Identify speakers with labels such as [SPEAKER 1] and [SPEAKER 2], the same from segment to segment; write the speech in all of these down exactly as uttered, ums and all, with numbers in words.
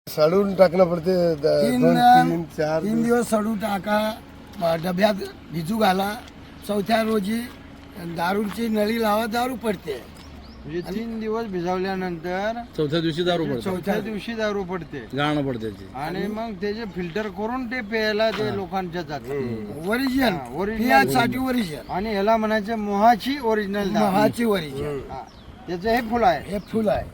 [SPEAKER 1] सडून टाकणं पडते द-
[SPEAKER 2] तीन
[SPEAKER 1] दोन तीन चार
[SPEAKER 2] तीन दिवस सडू टाका, ब- डब्यात भिजू घाला. चौथ्या रोजी दारूची नळी लावा, दारू पडते.
[SPEAKER 3] म्हणजे तीन दिवस भिजवल्यानंतर
[SPEAKER 4] चौथ्या दिवशी दारू पडते,
[SPEAKER 3] चौथ्या दिवशी दारू पडते
[SPEAKER 4] गाणं पडते त्याची.
[SPEAKER 3] आणि मग त्याचे फिल्टर करून ते प्यायला ते लोकांच्या जातात.
[SPEAKER 2] ओरिजिनल
[SPEAKER 3] हा, original.
[SPEAKER 2] पियासाठी ओरिजिनल,
[SPEAKER 3] आणि ह्याला म्हणायचे मोहाची ओरिजिनल
[SPEAKER 2] महाची ओरिजिनल.
[SPEAKER 3] त्याचं हे फुल आहे.
[SPEAKER 2] हे फुल आहे.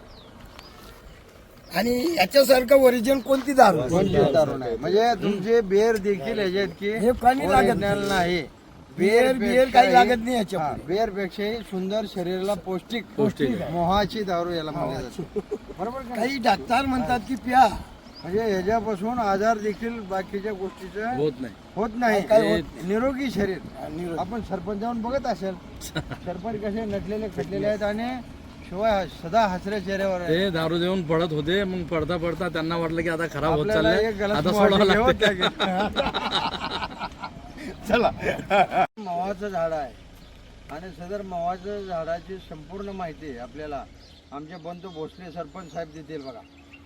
[SPEAKER 2] आणि याच्यासारखं ओरिजिनल कोणती दारू नाही.
[SPEAKER 3] कोणतीच दारू नाही. म्हणजे तुमचे बेर देखील ह्याच्यात की
[SPEAKER 2] हे काही लागत
[SPEAKER 3] original नाही.
[SPEAKER 2] बियर बियर काही लागत नाही याच्या
[SPEAKER 3] हा, बेर पेक्षाही सुंदर, शरीराला पौष्टिक
[SPEAKER 4] पौष्टिक आहे.
[SPEAKER 3] मोहाची दारू याला म्हणले जाते. बरोबर का?
[SPEAKER 2] काही डॉक्टर म्हणतात की प्या,
[SPEAKER 3] म्हणजे ह्याच्यापासून आजार देखील बाकीच्या गोष्टीचं
[SPEAKER 4] होत नाही.
[SPEAKER 3] होत नाही.
[SPEAKER 2] काय होत
[SPEAKER 3] हे निरोगी शरीर.
[SPEAKER 2] निरोगी.
[SPEAKER 3] आपण सरपंच जाऊन बघत असेल, सरपंच कसे नटलेले खटलेले आहेत आणि शिवाय सदा हसऱ्या चेहऱ्यावर आहे.
[SPEAKER 4] ते दारू देऊन पडत होते, मग पडता पडता त्यांना वाटलं की आता खराब होत
[SPEAKER 3] आपल्याला एक
[SPEAKER 4] चाललंय,
[SPEAKER 3] गलास
[SPEAKER 4] आता
[SPEAKER 3] मोहाची
[SPEAKER 4] सोडावं
[SPEAKER 3] घ्यावंच
[SPEAKER 4] लागतं.
[SPEAKER 3] लागेल.
[SPEAKER 1] चला
[SPEAKER 3] मवाचं झाड आहे आणि सदर मवाचं झाडाची संपूर्ण माहिती आपल्याला आमचे बंधू भोसले सरपंच साहेब देतील. बघा,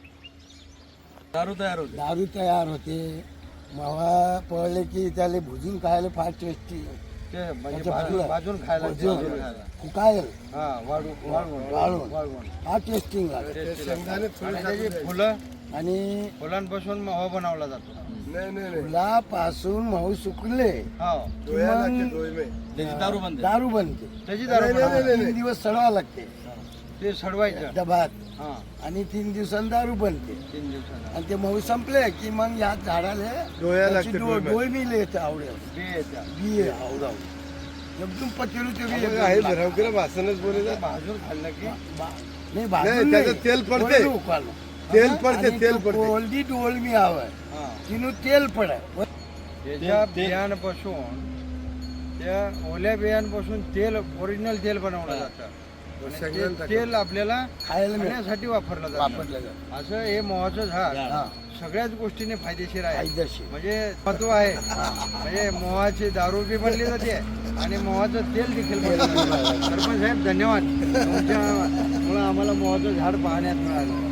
[SPEAKER 4] दारू तयार होते.
[SPEAKER 2] दारू तयार होते. मावा पळले की त्याला भुजून खायला फार टेस्टी.
[SPEAKER 3] ते म्हणजे
[SPEAKER 2] अच्छा,
[SPEAKER 3] भाजून
[SPEAKER 2] भाजून.
[SPEAKER 3] भाजून खायला
[SPEAKER 2] भाजून.
[SPEAKER 3] भाजून खायला.
[SPEAKER 2] काय
[SPEAKER 3] हा, वाळू वाळवून
[SPEAKER 2] वाळवून.
[SPEAKER 3] वाळवून
[SPEAKER 2] फार टेस्टिंग लागते.
[SPEAKER 1] शेंगदाणे
[SPEAKER 3] आणि
[SPEAKER 1] थोडे
[SPEAKER 3] त्याची
[SPEAKER 1] टाकून
[SPEAKER 3] फुलं
[SPEAKER 2] आणि
[SPEAKER 3] फुलांपासून मवा बनवला जातो.
[SPEAKER 1] नाही नाही नाही
[SPEAKER 2] फुलापासून मऊ सुकले
[SPEAKER 3] हो,
[SPEAKER 1] डोया
[SPEAKER 2] मग-
[SPEAKER 1] लागते डोळे में.
[SPEAKER 4] त्याची दारू बनते.
[SPEAKER 2] दारू बनते.
[SPEAKER 3] त्याची दारू
[SPEAKER 1] नाही, नाही,
[SPEAKER 3] बनवली.
[SPEAKER 2] तीन दिवस सडवा लागते
[SPEAKER 3] ते सडवायचं.
[SPEAKER 2] डबात,
[SPEAKER 3] हा,
[SPEAKER 2] आणि तीन दिवसांनी दारू बनते.
[SPEAKER 3] तीन दिवसाला
[SPEAKER 2] आणि ते मऊ संपले की मग या झाडाला
[SPEAKER 1] डोया
[SPEAKER 2] त्याची
[SPEAKER 1] लागते
[SPEAKER 2] डो-
[SPEAKER 1] डोळे में.
[SPEAKER 2] डोळ मी येते आवडेल.
[SPEAKER 3] बी येत्या.
[SPEAKER 2] बी आहे आवडाव. एकदम पचरू ते बी
[SPEAKER 1] आपण आहे भरवकीला भाषणच बोलायचं.
[SPEAKER 3] भाजून खाल्लं की
[SPEAKER 2] बा- नाही
[SPEAKER 1] नाही,
[SPEAKER 2] भाजून
[SPEAKER 1] त्याचं
[SPEAKER 2] नाही.
[SPEAKER 1] तेल पडते.
[SPEAKER 2] कोरडं उकळलं.
[SPEAKER 1] तेल पडते
[SPEAKER 2] आणि
[SPEAKER 1] तेल
[SPEAKER 2] तो
[SPEAKER 1] पडते
[SPEAKER 2] कोरडी डोळ मी हवं
[SPEAKER 3] हा,
[SPEAKER 2] तिनं तेल पडाय.
[SPEAKER 3] त्याच्या बियांपासून, त्या ओल्या बियांपासून तेल, ओरिजिनल तेल बनवलं जातं. आणि
[SPEAKER 1] शेंगदाणे
[SPEAKER 3] ते तेल आपल्याला
[SPEAKER 2] खायला मिळालं.
[SPEAKER 3] खाण्यासाठी वापरलं जातं.
[SPEAKER 2] वापरलं जातं.
[SPEAKER 3] असं हे मोहाचं झाड
[SPEAKER 2] हा.
[SPEAKER 3] सगळ्याच गोष्टीने फायदेशीर आहे.
[SPEAKER 2] फायदेशीर.
[SPEAKER 3] म्हणजे महत्व आहे. म्हणजे मोहाची दारू बी बनली जाते आणि मोहाचं तेल देखील बनलं जातं. सरपंच साहेब, धन्यवाद. तुमच्यामुळं आम्हाला मोहाचं झाड पाहण्यात मिळालं.